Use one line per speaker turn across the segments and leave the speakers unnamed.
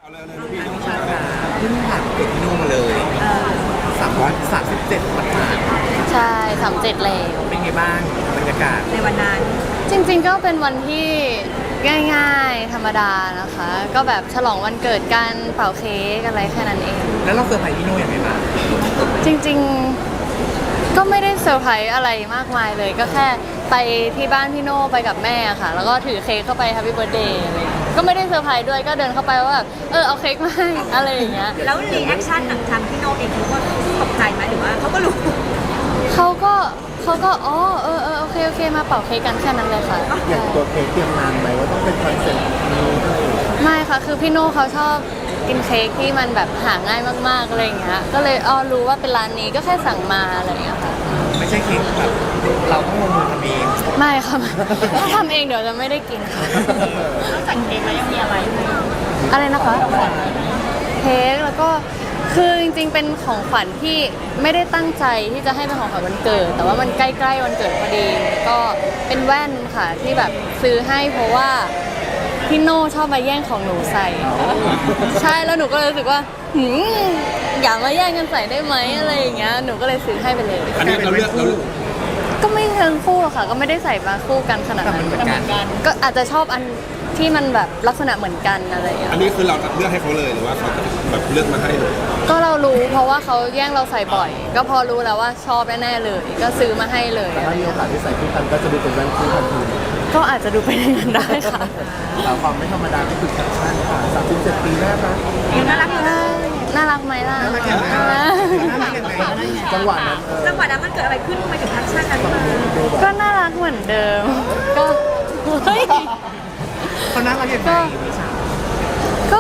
เอาเลยลูกพี่
ใช่ค่ะเพิ่งผ่านเกิดที่โน่นมาเลย337วันผ่าน
ใช่37แล้ว
เป็นไงบ้างบรรยากาศ
ในวันนั้น
จริงๆก็เป็นวันที่ง่ายๆธรรมดานะคะ ก็แบบฉลองวันเกิดกันเป่าเค้กอะไรแค่นั้นเอง
แล้วเราเซอร์ไพรส์พี่โน่ยังไงบ้าง
จริงๆก็ไม่ได้เซอร์ไพรส์อะไรมากมายเลย ก็แค่ไปที่บ้านพี่โน่ไปกับแม่ค่ะ แล้วก็ถือเค้กเข้าไป Happy Birthday อะไรอย่างเงี้ยก็ไม่ได้เซอร์ไพรส์ด้วยก็เดินเข้าไปว่าแบบเอาเค้กมาให้อะไรอย่างเงี้ย
แล้วรีแอคชั่นของทางพี่โนเองเขาก็ตกใจไหมหรือว่าเขาก็รู้
เขาก็โอเคมาเป่าเค้กกันแค่นั้นเลยค่ะ
อย่างตัวเค้กเตรียมนานไหมว่าต้องเป็นคอนเซ็ปต์นี้ด้วย
ไม่ค่ะคือพี่โน่เขาชอบกินเค้กที่มันแบบหาง่ายมากๆอะไรอย่างเงี้ยก็เลยรู้ว่าเป็นร้านนี้ก็แค่สั่งมาอะไรอย่างเงี้ยค่ะ
ไม่ใช่เค้กแบบเราต้องลงมือทำเอง
ไม่ค่ะถ้าทำเองเดี๋ยวจะไม่ได้กินค่ะ
นอกจากเค้กแล้วยังมีอะไรไหม
อะไรนะคะเค้กแล้วก็คือจริงๆเป็นของขวัญที่ไม่ได้ตั้งใจที่จะให้เป็นของขวัญวันเกิด แต่ว่ามันใกล้ๆวันเกิดพอดีก็เป็นแว่นค่ะที่แบบซื้อให้เพราะว่าพี่โน่ชอบมาแย่งของหนูใส่ ใช่แล้วหนูก็เลยรู้สึกว่าอย่ามาแย่งกันใส่ได้ไหมอะไรอย่างเงี้ยหนูก็เลยซื้อให้ไปเลย
อันนี้เราเลือก
ก็ไม่เชิงคู่หรอกค่ะ ก็ไม่ได้ใส่มาคู่กันขนาด
แต่
นั้
มัน นเหมือนกัน
ก็อาจจะชอบอันที่มันแบบลักษณะเหมือนกันอะไรอย่างเงี้ย
อันนี้คือเราเลือกให้เขาเลยหรือว่าเขาแบบเลือกมาให้เลย
ก็เรารู้เพราะว่าเขาแย่งเราใส่บ่อย ก็พอรู้แล้วว่าชอบแน่ๆเลย ก็ซื้อมาให้เลย
แต่ถ้ามีโอกาสที่ใส่คู่กันก็จะดูเป็นแว่นคู่ทันที
ก็อาจจะดูเป็นอย่างนั้นได้ค่ะ
แต่ความไม่ธรรมดาก็คือแฟชั่นค่ะ37ปีแรกนะ
ยังน่ารักอยู่นะ
น่ารักไหมล่ะ
น่ารักอย่างไรน่ารักอย่างไรจังหวะนั้น
จังหวะนั้นมันเกิดอะไรขึ้นทำไมถึงแอคชั่นนั้นมา
ก็น่ารักเหมือนเดิม ก็เฮ้ย
เขาน่ารักอย่างไรนิชา
ก็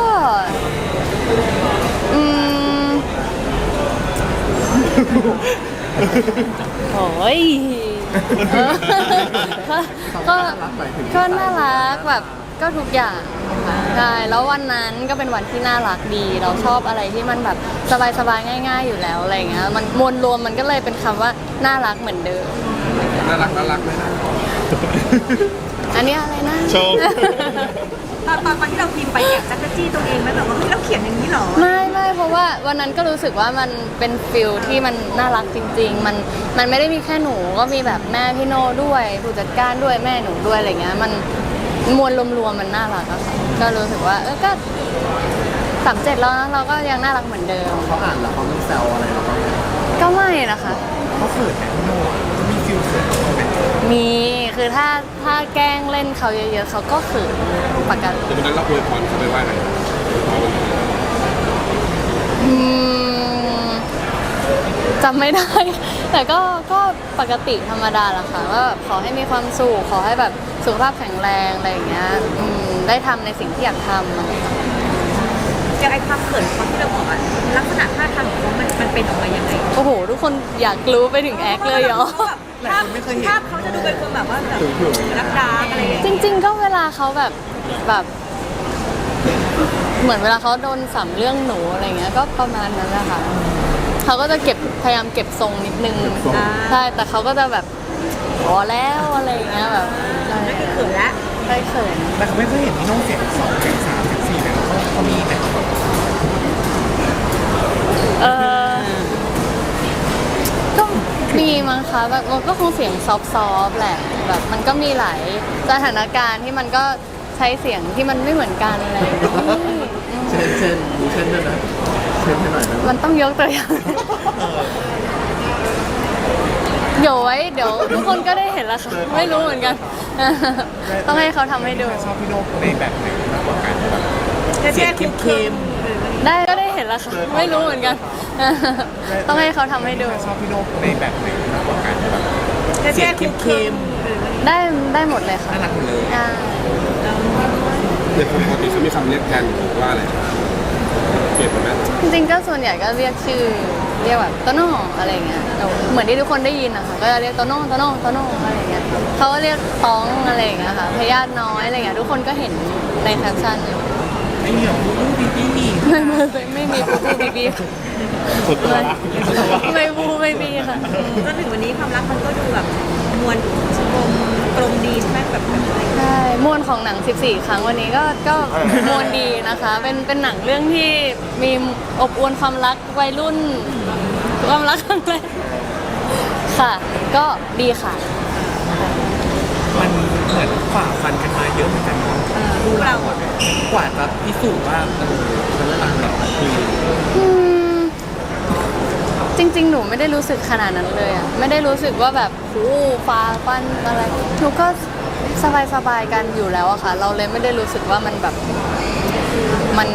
โอ้ยก็น่ารักแบบก็ทุกอย่างค่ะใช่แล้ววันนั้นก็เป็นวันที่น่ารักดี เราชอบอะไรที่มันแบบสบายๆง่าย ๆอยู่แล้วอะไรอย่างเงี้ยมันมวลรวมมันก็เลยเป็นคำว่าน่ารักเหมือนเดิม
น่ารักไหมนะ
อันนี้อะไรนะ
โชว์
ตอนที่เราพิมพ์ไปแอบจักรจี้ตัวเองไหมแบบว่าเฮ้ยเราเขียนอย่างนี้เหรอ
ไม่เพราะว่าวันนั้นก็รู้สึกว่ามันเป็นฟิลที่มันน่ารักจริงๆมันไม่ได้มีแค่หนูก็มีแบบแม่พี่โน่ด้วยผู้จัดการด้วยแม่หนูด้วยอะไรเงี้ยมันมวลรวมๆมันน่ารักอะค่ะก็รู้สึกว่าก็37แล้วนะเราก็ยังน่ารักเหมือนเดิม
เขาอ่านแล้วเขาไม่แซวอะไรหรอก
ก็ไม่นะคะ
เขาเขินแต่พี่โน่เขามีฟิลเขินไหม
มีคือถ้าแกล้งเล่นเขาเยอะๆเขาก็เขินปกติ
แต่วันนั้นเราอวยพรเขาไปว่าไง
จำไม่ได้ แต่ก็ปกติธรรมดาแหละค่ะว่าแบบขอให้มีความสุขขอให้แบบสุขภาพแข็งแรงอะไรอย่างเงี้ยได้ทำในสิ่งที่อยากทำอะไรอย่างเงี้ย
อย่างไอ้ความเขินความที่เราบอกอะลักษณะท่าทางของเขามันเป็นออกมายังไง
โอ้โห ทุกคนอยากรู้ไปถึงแอคเลยเหรอ
ภาพเขาจะดูเป็นคนแบบว่าแบบรักดาอะไรอย่างเงี้ย
จริง ๆ ก็เวลาเขาแบบเหมือนเวลาเขาโดนสัมเรื่องหนูอะไรเงี้ยก็ประมาณนั้นแหละค่ะเขาก็จะพยายามเก็บทรงนิดนึงใช่แต่เขาก็จะแบบพอแล้วอะไรอย่างเงี้ยแบบ
นั่นคือเขินละ
ได้เขิน
แต่เขาไม่เคยเห็นพี่โน่เสียง2เสียง3เสียง4เลยเขามีไหม
ก็มีมั้งคะแบบมันก็คงเสียงซอฟต์ๆแหละแบบมันก็มีหลายสถานการณ์ที่มันก็ใช้เสียงที่มันไม่เหมือนกันอะไรอย่างเงี้ย
เช่นมีเช่นด้วยนะเช่นให้หน่อยนะ
มันต้องยกตัวอย่างเดี๋ยวไว้เดี๋ยวทุกคนก็ได้เห็นแล้วค่ะไม่รู้เหมือนกัน ต้องให้เขาทำให้ดู
ชอบพี่โน่ในแบบไหนมากกว่ากันแบบ
เท่ๆเข้ม
ได้ก็ได้เห็นแล้วค่ะไม่รู้เหมือนกัน ต้องให้เขาทำให้ดู
ชอบพี่โน่ในแบบไหนมากกว่ากันแบบ
ๆเท่ๆเข้ม
ได้หมดเลยค่ะ
น่ารักหมดเลย
อ่า
เด็กปกติเขามีคำเรียกแทนว่าอะไรเปลี่ยนไปไหม
จริงๆก็ส่วนใหญ่ก็เรียกชื่อเรียกแบบโตโน่อะไรเงี้ยเหมือนที่ทุกคนได้ยินนะคะก็จะเรียกโตโน่อะไรเงี้ยเขาก็เรียกต้องอะไรอย่างเงี้ยค่ะพยาธิน้อยอะไรเงี้ยทุกคนก็เห็นในแคปชั่นอยู่
ไม่มีหรอกบูบี้บี้
ไม่มีบูบีบี
สุดตัวละ
ไม่บูไม่บีค่ะ
จนถึงวันนี้ความรักมันก็ดูแบบมวลกลมดีใช่ไหมแบบอะไร
ใช่มวลของหนัง 14 ครั้งวันนี้ก็มวลดีนะคะ เป็นหนังเรื่องที่มีอบอวลความรักวัยรุ่นความรักครั้งแรกค่ะ ก็ดีค่ะ
มันเหมือนฝ่าฟันกันมาเยอะเหมือนกันเนาะ
ดูเราอะ
กว่าจะพิสูจน์ว่ามันต่างแบบคือ
อืมจริงๆ หนูไม่ได้รู้สึกขนาดนั้นเลยอะไม่ได้รู้สึกว่าแบบโอ้ฟ้าฟันอะไรหนูก็สบายๆกันอยู่แล้วอะค่ะ เราเลยไม่ได้รู้สึกว่ามันแบบมัน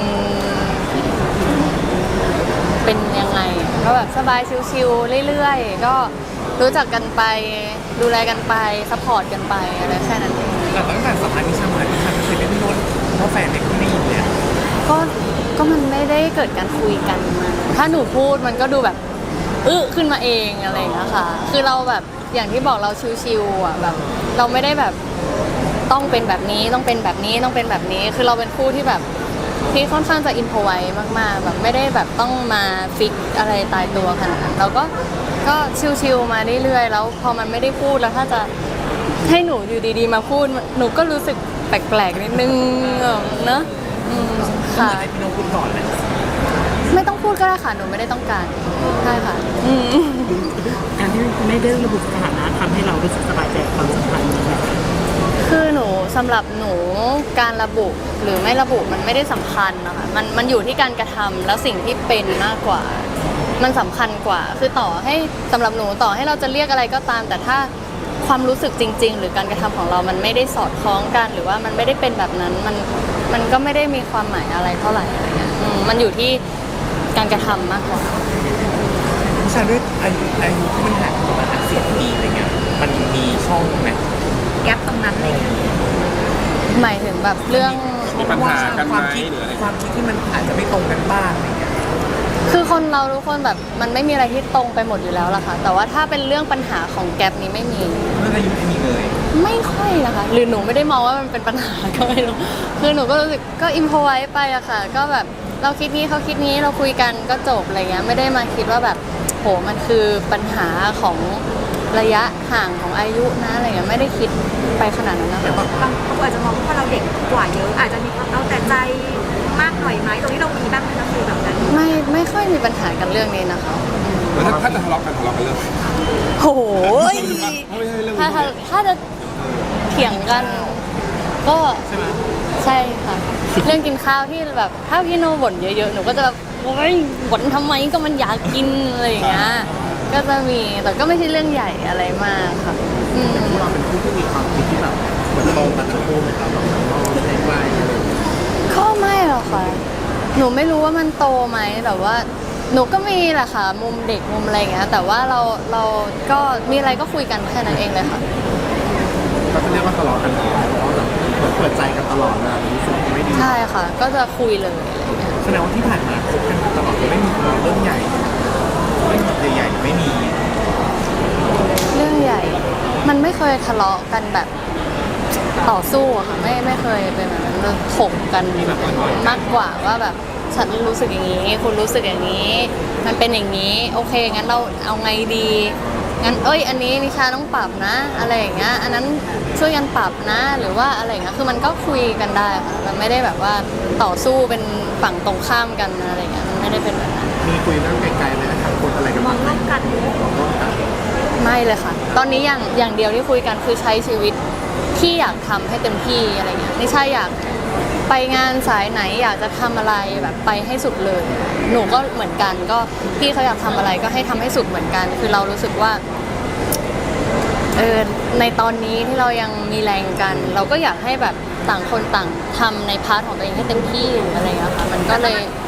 เป็นยังไงอะก็แบบสบายชิวๆเรื่อยๆก็รู้จักกันไปดูแลกันไปซัพพอร์ตกันไปอะไรแค่นั้นเอง
แต่ตั้งแต่สัมภาษณ์นิชามานิชาไม่เคยได้พี่โน้ตเพราะแฟนเด็กไม่ยินเนี่ย
ก็มันไม่ได้เกิดการคุยกันมาถ้าหนูพูดมันก็ดูแบบขึ้นมาเองอะไรอย่างเงี้ยค่ะ คือเราแบบอย่างที่บอกเราชิวๆอ่ะแบบ เราไม่ได้แบบต้องเป็นแบบนี้ต้องเป็นแบบนี้ต้องเป็นแบบนี้ คือเราเป็นคู่ที่แบบที่ค่อนข้างจะอินโฟไวมากๆแบบไม่ได้แบบต้องมาฟิกอะไรตายตัวขนาดนั้นเราก็ชิวๆมาเรื่อยๆแล้วพอมันไม่ได้พูดแล้วถ้าจะให้หนูอยู่ดีๆมาพูดหนูก็รู้สึกแปลกๆนิดนึงเนอะค่ะ
ให้พี่โน้ตพูดก่อนเลย
ไม่ต้องพูดก็ได้ค่ะหนูไม่ได้ต้องการใช่ค่ะ
การที่ไม่ได้ระบุสถานะทำให้เรารู้สึกสบายใจกับความสัมพันธ์นี้ไหม
คือหนูสำหรับหนูการระบุหรือไม่ระบุมันไม่ได้สำคัญนะคะมันอยู่ที่การกระทำแล้วสิ่งที่เป็นมากกว่า มันสำคัญกว่า คือต่อให้สำหรับหนูต่อให้เราจะเรียกอะไรก็ตาม แต่ถ้าความรู้สึกจริง ๆ หรือการกระทำของเรามันไม่ได้สอดคล้องกัน หรือว่ามันไม่ได้เป็นแบบนั้นมันก็ไม่ได้มีความหมายอะไรเท่าไหร่อะไรเงี้ยมันอยู่ที่การกระทำมากกว่า
นิชาด้วยอายุที่มันห่างกันประมาณ10 ปีอะไรเงี้ยมันมีช่องไหม
แก๊ปตรงนั้นอะไรอย่างเงี้ย
หมายถึงแบบเรื่อง
มีปัญหากันไหม
ความคิด
หรืออะไร
ความคิดที่มันอาจจะไม่ตรงกันบ้างอะไรเงี้ย
คือคนเราทุกคนแบบมันไม่มีอะไรที่ตรงไปหมดอยู่แล้วล่ะค่ะ แต่ว่าถ้าเป็นเรื่องปัญหาของแกลบนี้ไม่มี
เรื่องอายุไม่มีเลย
ไม่ค่อยนะคะ หรือหนูไม่ได้มองว่ามันเป็นปัญหาก็ไม่รู้คือหนูก็รู้สึกก็อิมพอไว้ไปอะค่ะ ก็แบบเราคิดนี้เขาคิดนี้เราคุยกันก็จบอะไรเงี้ยไม่ได้มาคิดว่าแบบโหมันคือปัญหาของระยะห่างของอายุนะอะไรเงี้ยไม่ได้คิดไปขนาดนั้นนะคะ
บางคนอาจจะมองว่าเราเด็กกว่าเยอะอาจจะมีความเอาแต่ใจมากหน่อยไหมตรงนี้เรามีบ้างไหมคะคือแบบนั้น
ไม่ค่อยมีปัญหากันเรื่องนี้นะคะ
แล้วถ้าจะทะเลาะกันเรื่องอะไร
โอ้โห
ไม่ใช่เรื่อง
ถ้าจะเถียงกันก็ใช่ค่ะ เรื่องกินข้าวที่แบบถ้าพี่โนบ่นเยอะๆหนูก็จะแบบโอ๊ยบ่นทำไมก็มันอยากกินอะไรอย่างเงี้ยก็จะมีแต่ก็ไม่ใช่เรื่องใหญ่อะไรมากค่ะ
เราเป็นผู้ที่มีความคิดที่แบบเหมือนตรงกันทั้งคู่ไหมครับแบบเราไม่ได้ว่าอะไร
ก็ไม่หรอกค่ะ หนูไม่รู้ว่ามันโตไหมแต่ว่า หนูก็มีแหละค่ะ มุมเด็กมุมอะไรอย่างเงี้ยแต่ว่าเราก็มีอะไรก็คุยกันแค่นั้นเองเลยค่ะ
ก็จะเรียกว่าทะเลาะกันเพราะว่าแบบเหมือนเปิดใจกันตลอดนะรู้สึกไม่ดี
ใช่ค่ะ ก็จะคุยเลยอะไรอย่างเงี้ย
แสดงว่าที่ผ่านมาคบกันตลอดไม่มีทะเลาะเรื่องใหญ่เรื่องแบบใหญ่ๆไม่มี
เรื่องใหญ่ มันไม่เคยทะเลาะกันแบบต่อสู้อะค่ะไม่เคยเป็นแบบนั้นเราถกกันมากกว่าว่าแบบฉันรู้สึกอย่างนี้คุณรู้สึกอย่างนี้ มันเป็นอย่างนี้โอเคงั้นเราเอาไงดีงั้นอันนี้นิชาต้องปรับนะ อะไรอย่างเงี้ยอันนั้นช่วยกันปรับนะ หรือว่าอะไรอย่างเงี้ยคือมันก็คุยกันได้ค่ะมันไม่ได้แบบว่าต่อสู้เป็นฝั่งตรงข้ามกันอะไรอย่างเงี้ยมันไม่ได้เป็นแบบนั้น
มีคุยเรื่องไกลๆไหมทางคนอะไรกัน
มองร่วมกัน
ไม่เลยค่ะ ตอนนี้อย่างเดียวที่คุยกันคือใช้ชีวิตที่อยากทำให้เต็มที่อะไรเงี้ยไม่ใช่อยากไปงานสายไหนอยากจะทำอะไรแบบไปให้สุดเลย หนูก็เหมือนกันก็พี่เขาอยากทำอะไรก็ให้ทำให้สุดเหมือนกัน คือเรารู้สึกว่าในตอนนี้ที่เรายังมีแรงกัน เราก็อยากให้แบบต่างคนต่างทำในพาร์ทของตัวเองให้เต็มที่หรืออะไรเงี้ยค่ะมันก็เลย